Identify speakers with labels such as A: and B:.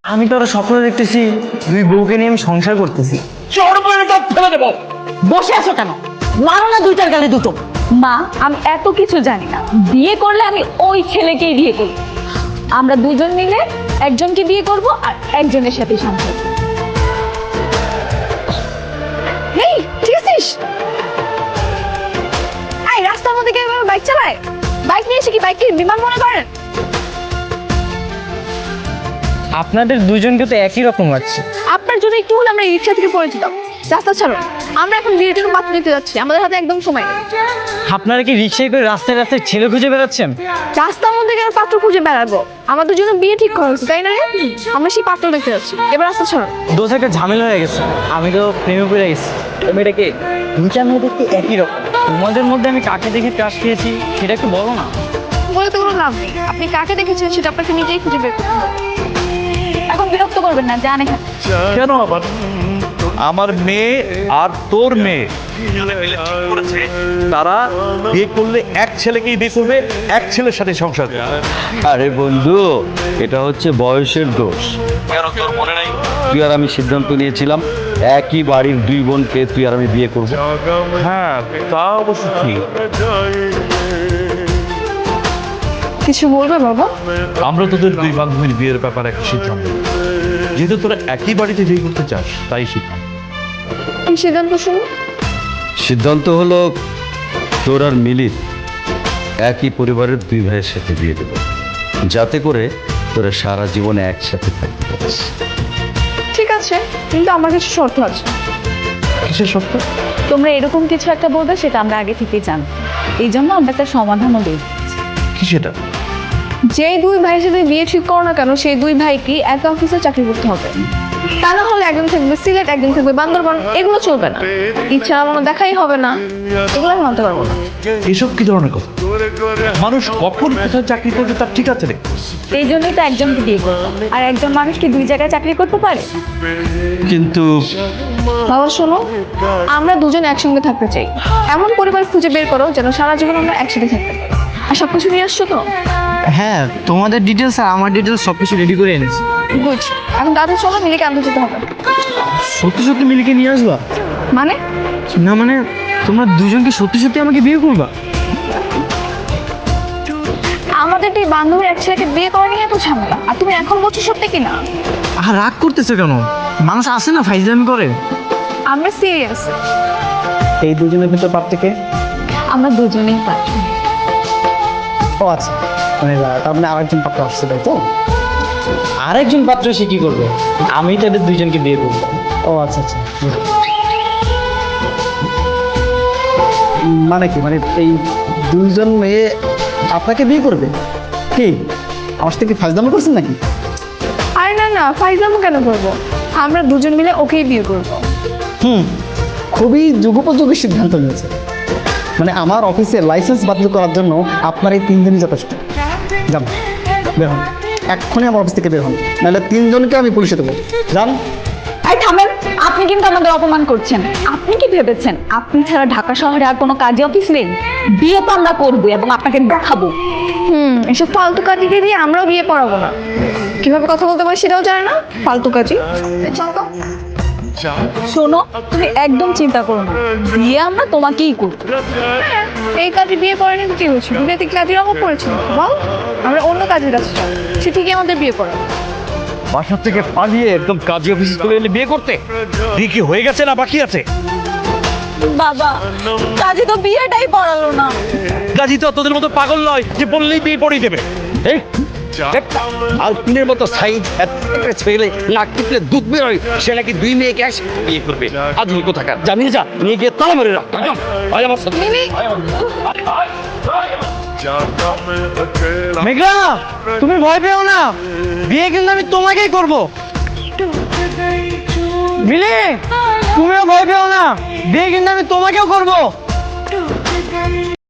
A: আমি তো আরো স্বপ্ন দেখতেছি দুই বউকে নিয়ে আমি সংসার করতেছি।
B: বসে আছো কেন? মারো না দুইটার গালে দুটো।
C: মা, আমি এত কিছু জানি না। বিয়ে করলে আমি ওই ছেলেকেই বিয়ে করব। আমরা দুজন মিলে একজনকে বিয়ে করব আর একজনের সাথে সংসার করব।
B: এই ঠিক আছিস? এই রাস্তার মধ্যে কেউ এভাবে বাইক চালায়? বাইক নিয়ে এসে কি বাইককে বিমান মনে করেন?
A: আপনাদের দুজনকে তো একই রকম লাগছে।
B: আপনার জন্য একটু হলে আমরা রিক্সা থেকে পড়ে যেতাম। রাস্তা ছাড়ো, আমরা এখন বিয়ের জন্য পাত্র দেখতে যাচ্ছি, আমাদের হাতে একদম সময় নেই।
A: আপনারা কি রিক্সায় করে রাস্তায় রাস্তায় ছেলে খুঁজে বেড়াচ্ছেন?
B: রাস্তার মধ্যে কেন পাত্র খুঁজে বেড়াবো? আমাদের জন্য বিয়ে ঠিক করা হয়েছে, তাই না রে? আমরা সেই পাত্র দেখতে যাচ্ছি, এবার রাস্তা ছাড়ো।
A: দোষ একটা ঝামেলা হয়ে গেছে, আমি তো প্রেমে পড়ে গেছি। মেয়েটাকে দুইটা মেয়ে দেখতে একই রকম। তোমাদের মধ্যে আমি কাকে দেখে ক্রাশ খেয়েছি সেটা একটু বলো না।
B: বলে তো কোনো লাভ নেই, আপনি কাকে দেখেছেন সেটা আপনাকে নিজেই খুঁজে বের করতে হবে।
C: এখন বিরক্ত করবেন না, জান এখানে।
D: কেন আবার? আমার মেয়ে আর তোর মেয়ে তারা বিয়ে করলে এক ছেলেকেই বিয়ে করবে, এক ছেলের সাথে সংসার করবে।
E: আরে বন্ধু, এটা হচ্ছে বয়সের দোষ। তুই আর আমি সিদ্ধান্ত নিয়েছিলাম একই বাড়ির দুই বোনকে তুই আর আমি বিয়ে করবো।
D: হ্যাঁ, তা অবশ্য ঠিক।
B: কিছু বলবে বাবা?
D: আমরা তোদের দুই বান্ধবীর বিয়ের ব্যাপারে একটা সিদ্ধান্ত নিই। যেহেতু তোরা একই বাড়িতে বিয়ে করতে চাস, তাই সিদ্ধান্ত।
B: কি সিদ্ধান্ত শুনুন?
E: সিদ্ধান্ত হলো তোর আর মিলির একই পরিবারের দুই ভাইয়ের সাথে বিয়ে দেবো, যাতে করে তোরা সারা জীবনে একসাথে থাকতে পারিস।
B: ঠিক আছে, কিন্তু আমার কিছু শর্ত আছে।
D: কিসের সত্য?
C: তোমরা এরকম কিছু একটা বলবে সেটা আমরা আগে থেকেই জানি, এই জন্য আমরা একটা সমাধানও দিই।
D: কি সেটা?
B: যেই দুই ভাইয়ের সাথে বিয়ে ঠিক করো না কেন, সেই দুই ভাইকে এক অফিসে চাকরি করতে হবে। তা না হলে একজন থাকবে সিলেট, একজন থাকবে বান্দরবান, এগুলো চলবে না। ইচ্ছা আমার দেখাই হবে না, এগুলো আমি মানতে পারবো না।
D: এসব কি ধরনের কথা? মানুষ কখন কোথায় চাকরি করবে তার ঠিক আছে রে।
C: এই জন্যই তো একজনকে বিয়ে করবো, আর একজন মানুষ কি দুই জায়গায় চাকরি করতে পারে?
E: কিন্তু
B: বাবা শোনো, আমরা দুজন একসঙ্গে থাকতে চাই। এমন পরিবার খুঁজে বের করো যেন সারা জীবন আমরা একসাথে থাকতে পারি। আর সবকিছু নিয়ে আসছো তো?
A: হ্যাঁ, তোমাদের ডিটেলস আর আমার ডিটেলস সবকিছু রেডি করে এনেছি।
B: গুড, এখন তাদের চলো, মিলিকে আনতে যেতে হবে।
A: সত্যি সত্যি মিলিকে নিয়ে আসবা?
B: মানে?
A: না মানে তোমরা দুজনকে সত্যি সত্যি আমাকে বিয়ে করবা?
B: আমাদের এই বান্ধবীর এক ছেলেকে বিয়ে করা নিয়ে এত ঝামেলা, আর তুমি এখন বলছো সত্যি কিনা?
A: আর রাগ করতেছো কেন? মানুষ আসে না ফাইজলামি করে।
B: আমরা সিরিয়াস।
A: এই দুজনের ভিতর পাত্রকে?
C: আমরা দুজনেই পারি।
A: ও আচ্ছা, মানে তার মানে আরেকজন পাত্র আসছে, তাই তো? আরেকজন পাত্র সে কি করবে? আমি তাদের দুইজনকে বিয়ে করবো। ও আচ্ছা আচ্ছা।
F: মানে কি, মানে এই দুইজন মেয়ে আপনাকে বিয়ে করবে? কি আমার সাথে কি ফাজলামো করছেন নাকি?
B: আরে না না, ফাইজলামো কেন করবো? আমরা দুজন মিলে ওকেই বিয়ে করবো।
F: খুবই যুগোপযোগী সিদ্ধান্ত নিয়েছে। মানে আমার অফিসে লাইসেন্স বাতিল করার জন্য আপনার এই 3 দিনই যথেষ্ট। যান, বের হন, এক্ষুনি আমার অফিস থেকে বের হন, নাহলে 3 জনকে আমি পুলিশে দেবো। যান।
C: এই থামেন, আপনি কিন্তু আমাদের অপমান করছেন। আপনি কি ভেবেছেন আপনি ছাড়া ঢাকা শহরে আর কোনো কাজে অফিস নেই? বিয়ে তো আমরা করবো এবং আপনাকে দেখাবো।
B: এসব ফালতু কাজিকে দিয়ে আমরাও বিয়ে পড়াবো না। কিভাবে কথা বলতে পারি সেটাও জানে না, ফালতু কাজি। চল তো।
C: শোনো, তুমি একদম চিন্তা করো না, বিয়ে আমরা তোমাকেই করবো।
B: এই কাজে বিয়ে পড়ানি কি হয়েছে? বিয়েতে কাজের অভাব পড়েছিল বল? আমরা অন্য কাজের কাছে যাই, সে ঠিকই আমাদের বিয়ে পড়াবে।
D: বাসা থেকে পালিয়ে একদম কাজী অফিসে চলে এলে বিয়ে করতে? বিয়ে কি হয়ে গেছে না বাকি আছে?
C: বাবা, কাজে তো বিয়েটাই পড়ালো না।
D: কাজী তো তোদের মতো পাগল নয় যে বললেই বিয়ে পড়িয়ে দেবে। এই আর পিনের মতো সাইজ ছেলে নাক টিপলে দুধ বেরোয়, সে নাকি 2 মেয়েকে এক বিয়ে করবে। আধুনিক কোথাকার, জানিয়ে যা, নিয়ে গিয়ে তালা মেরে রাখ। আয় আমার সাথে।
A: মেঘলা, তুমি ভয় পেও না, বিয়ে কিন্তু আমি তোমাকেই করবো। মিলি, তুমিও ভয় পেও না, বিয়ে কিন্তু আমি তোমাকেও করবো।